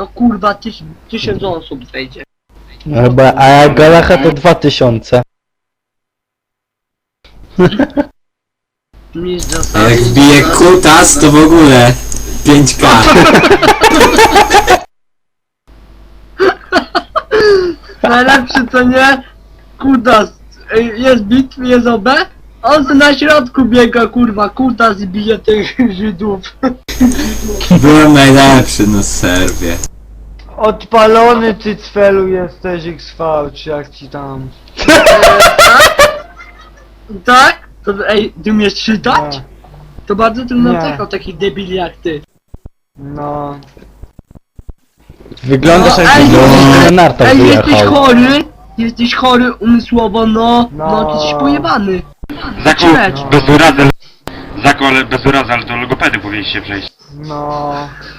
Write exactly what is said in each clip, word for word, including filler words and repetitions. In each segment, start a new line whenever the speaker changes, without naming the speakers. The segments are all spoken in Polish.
to kurwa tyś, tysiąc osób wejdzie.
Chyba, a jak Galacha to dwa tysiące.
Mistrz
A
zasady.
jak wbije kutas, to w ogóle pięć K.
Najlepszy co nie? Kutas. Ej, jest bit, jest O B. On se na środku biega kurwa, kutas i bije tych Żydów.
Byłem najlepszy na serwie.
Odpalony ty cfelu jesteś X V, czy jak ci tam.
Tak? To ej, ty umiesz czytać?
Nie.
To bardzo trudno
Nie.
czekał takich debili jak ty.
No.
Wyglądasz
No,
jak
ej,
jakbyś na nartach
Ej, jesteś
wyjechał.
chory, jesteś chory umysłowo, no, no,
No.
ty jesteś pojebany.
Zako,
Lecz.
bez urazy, Zako, ale bez urazy, ale do logopedy powinniście przejść.
No.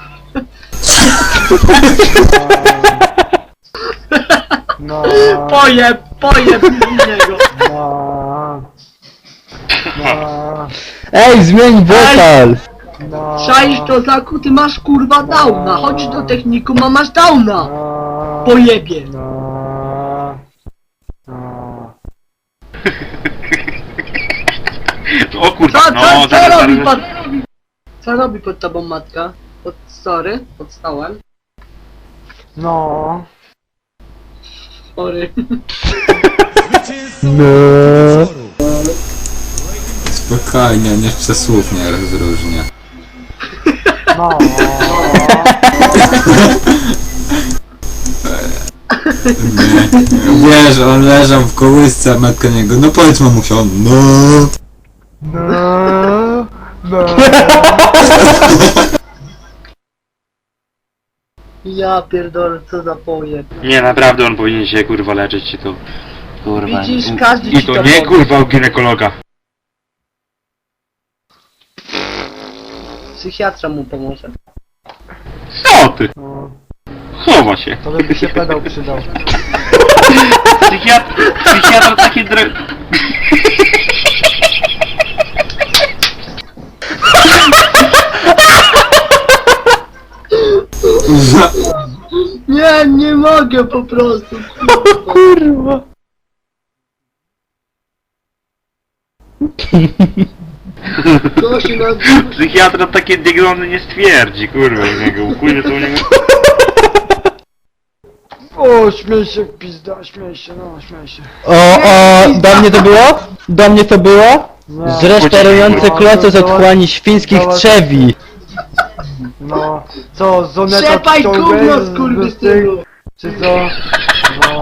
No.
Pojeb, pojeb z niego.
No. No.
Ej, zmień wokal!
No.
Czaisz to, Zaku, ty masz kurwa downa, chodź do technikum, a masz downa.
No.
Pojebie.
No. No.
O kurwa,
Co,
no,
co, co
zaraz,
robi
zaraz.
pod... Co robi pod tobą matka? Pod story? Pod stołem?
No.
Sorry.
No.
Spokojnie, on jeszcze słów nie rozróżnia.
No.
Nie, wiesz, on leżał w kołysce, a matka niego, no powiedz mamusia, on, no.
No. No.
Ja pierdolę, co za pojeb.
Nie, naprawdę on powinien się kurwa leczyć i to... Kurwa.
Widzisz,
i-
każdy
I
ci
to
to
nie
powie.
kurwa u ginekologa.
Psychiatra mu pomoże.
Co ty?
No.
Chowa się.
To by się pedał przydał.
Psychiatr, psychiatr taki dre...
Nie, nie mogę po prostu.
Kurwa.
To się nazywa...
Psychiatra takie diagnozy nie stwierdzi, kurwa, u niego, ukuje to u niego...
O, śmiej się, pizda, śmiej się, no, śmiej się.
O, o, do mnie to było? Do mnie to było?
Nie.
Zresztarujące
No,
kloce z
to- to-
otchłani świńskich
to-
trzewi.
No, co, zoneta
Trzepaj
ściągaj
gówno,
z- z
skurwysynu!
tych, czy co? No.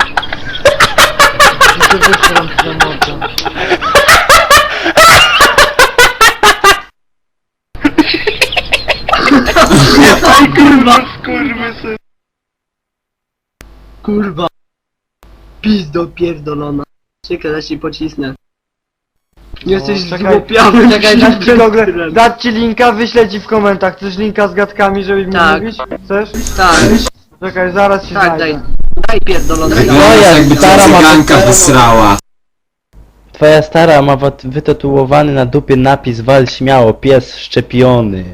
I się wyszłam z zoneta.
Aj kurwa!
Skurwysyn.
Kurwa! Pizdo pierdolona. Czekaj, ja się pocisnę. Jesteś
czekaj,
zgłupiałym
Czekaj, dać ci, Google,
śmiertelem.
dać ci linka, wyślę ci w komentarzach. Chcesz linka z gadkami, żeby mi
Tak.
mówić? Chcesz?
Tak,
Czekaj, zaraz ci
tak, daj.
znajdę.
Daj pierdolona.
Wyglądasz
jest,
jakby cię
stara ma-
cyganka wysrała.
Twoja stara ma wat- wytatuowany na dupie napis wal śmiało, pies szczepiony.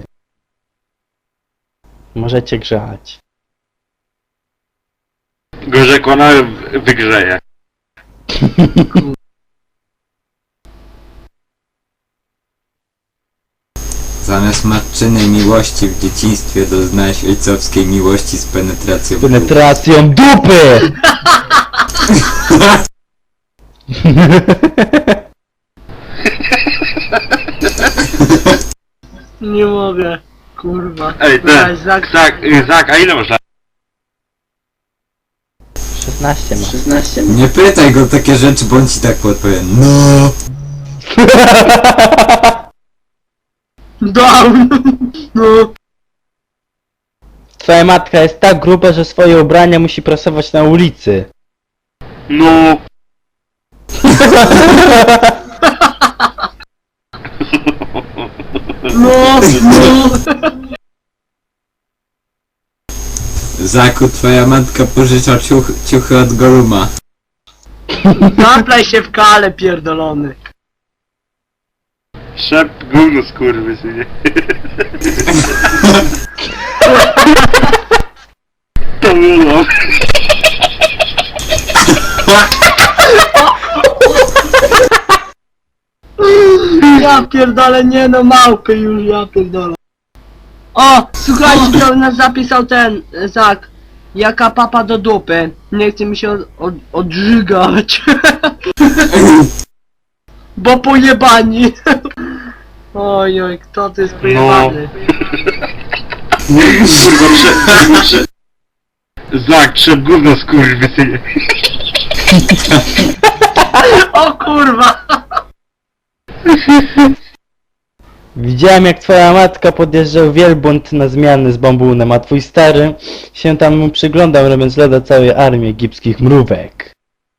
Możecie grzać.
Gorzej jak ona w- wygrzeje.
Zamiast matczynej miłości w dzieciństwie doznałeś ojcowskiej miłości z penetracją.
Penetracją dupy!
Nie mogę. Kurwa.
Ej,
Weź,
ten,
Zak-
Zak, y, Zak, a ile masz lat?
szesnaście ma.
szesnaście?
Nie pytaj go takie rzeczy, bo on ci tak podpowie. No.
Down! No.
Twoja matka jest tak gruba, że swoje ubrania musi prasować na ulicy.
No.
No, no.
Zaku, twoja matka pożycza ciuch, ciuchy od Goluma.
Zaplaj się w kale pierdolony.
Szep gówno skurwysynie. gówno.
Ja pierdolę, nie no, małpy już, ja pierdolę. O, słuchajcie, to nas zapisał ten, e, Zak. Jaka papa do dupy. Nie chce mi się od, od, odżygać. Bo pojebani. Oj, oj, kto to jest pojebany?
Kurwa, prze... prze... Zak, przed gówno skurwysynie.
O kurwa!
Widziałem jak twoja matka podjeżdżał wielbłąd na zmiany z bambunem, a twój stary się tam mu przyglądał, robiąc loda całej armii egipskich mrówek.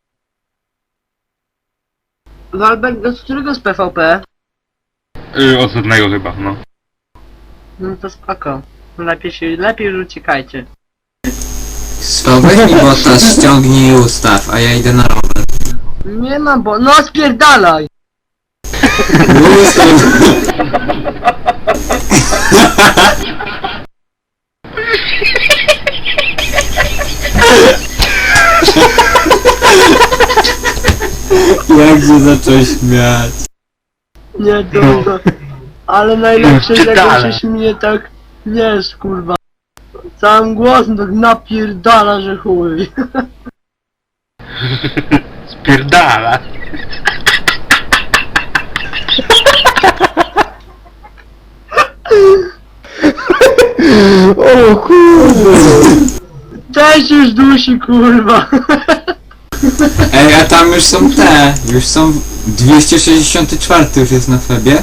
Walberg, z którego z P V P?
Yy, ostatniego chyba, no.
No to spoko. Lepiej się, lepiej już uciekajcie.
Swał, weź mi bota, ściągnij i ustaw, a ja idę na rower.
Nie ma bo... No spierdalaj!
Ustaw. Jak się zaczął śmiać.
Nie, to, to... Ale najlepsze, że jak on
Spierdalaj.
się śmieje tak... Wiesz, kurwa. Całym głosem tak napierdala, że chuj.
Spierdala.
O kurde!
Też już dusi, kurwa.
Ej, a tam już są te, już są dwieście sześćdziesiąt cztery już jest na Febie.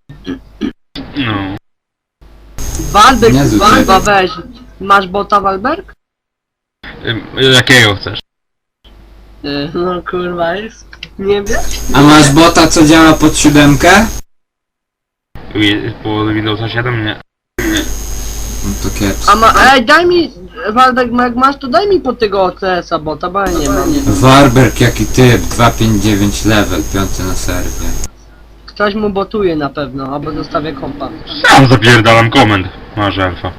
No.
Walberg,
Nie zupełnie.
kurwa, weź. Masz bota, Walberg?
Ym, jakiego chcesz?
Y, No kurwa, jest. Nie wiesz?
A masz bota, co działa pod siódemkę?
Wi- Po Windowsa siedem? Nie.
No to kiepsko.
A ma... Ej, daj mi... Walberg, jak masz, to daj mi po tego O C S-a bota, bo ja nie mam.
Warberg, jaki typ, dwieście pięćdziesiąt dziewięć level, piąty na serwie.
Ktoś mu botuje na pewno, albo zostawia kompa.
Sam zapierdalam komend. Masz alfa.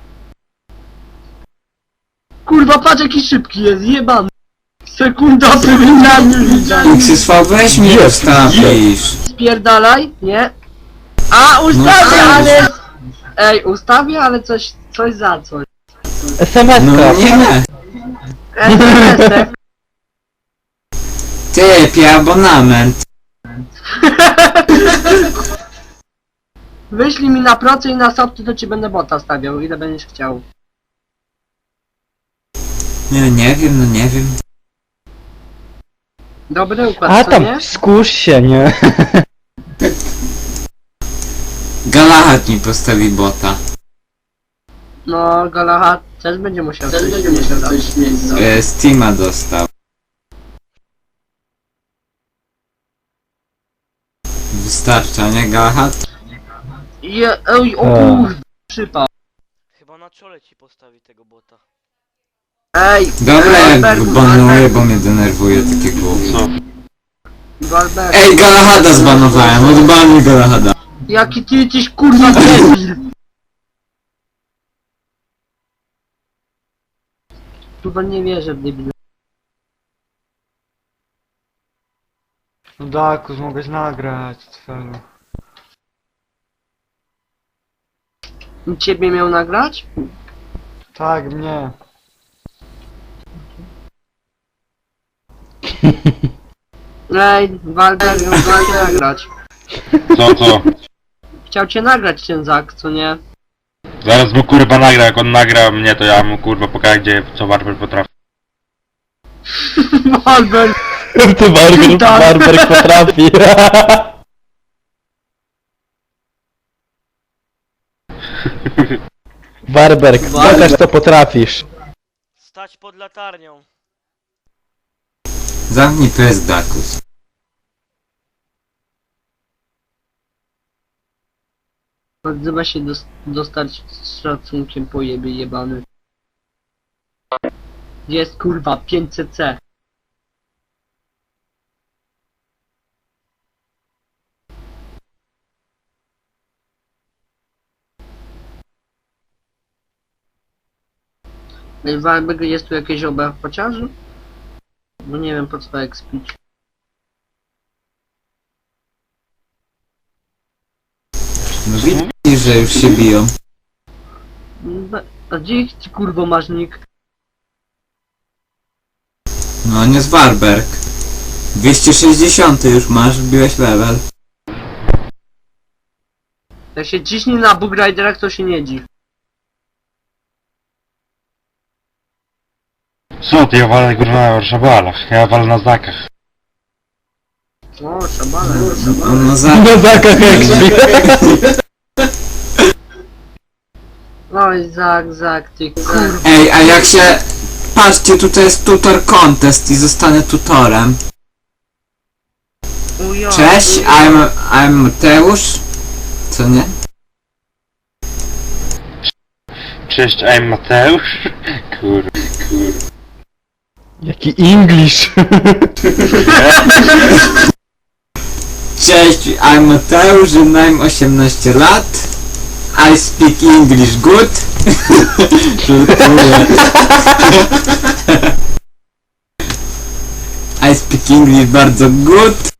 Kurwa, patrz jaki szybki jest, jebany. Sekunda powinna już widzieć.
X V, weź mi ustawisz.
Spierdalaj, nie? A, ustawię,
No,
ale... Ej, ustawię, ale coś, coś za coś.
es em es
No
ka!
nie,
S M S-ek.
typie, abonament.
Wyślij mi na procy i na softy, to ci będę bota stawiał, ile będziesz chciał.
Nie, nie wiem, no nie wiem.
Dobry układ,
A
co
tam,
nie?
skórz się, nie?
Galahad mi postawi bota.
No, Galahad też będzie musiał też będzie musiał coś mieć.
E, Steama dostał. Wystarcza, nie Galahad?
Je, ej, o
A.
kurde, przypał.
Chyba na czole ci postawi tego bota.
Ej,
Dobra, jak
Walberg,
banuję,
Walberg,
bo mnie denerwuje takie gówno.
Co?
Walberg.
Ej, Galahada zbanowałem, odbanuj Galahada.
Jaki ty jesteś kurwa debil! Kurwa nie wierzę w debila.
No Dakus, mogłeś nagrać, cfelu.
I ciebie miał nagrać?
Tak, mnie.
Ej, Walberg chciał cię nagrać.
Co, co?
Chciał cię nagrać ten Zak, co nie?
Zaraz mu kurwa nagra, jak on nagra mnie, to ja mu kurwa pokażę, gdzie, co Warper potrafi.
Walberg!
Ty Barber,
Tak.
Barber potrafi. Barberg, pokaż co potrafisz.
Stać pod latarnią.
Zamknij pysk, Dakus.
Odzywa się dos dostać z szacunkiem po jebie jebany. Gdzie jest kurwa pięćset C? Ej, Warbeck, jest tu jakieś oba chociaż? Bo nie wiem po co tak spić.
No widzisz, że już się biją.
No, a gdzie ty kurwo masz nick?
No nie z Warberg. dwieście sześćdziesiąt już masz, wbiłeś level.
Jak się ciśnie na Bug Riderach, to się nie dziw.
Co ty, ja walę kurwa na szabalach, ja walę na zakach.
O, szabale,
On
szabale.
no za...
Na zakach expi.
Oj, Zak, Zak, ty kurwa.
Ej, a jak się... Patrzcie, tutaj jest tutor contest i zostanę tutorem.
Ujo,
Cześć,
ujo.
I'm... I'm Mateusz. Co nie?
Cześć, I'm Mateusz. Kurwa.
Jaki English.
Cześć, I'm Mateusz, mam osiemnaście lat. I speak English good. Żartuję. I speak English bardzo good.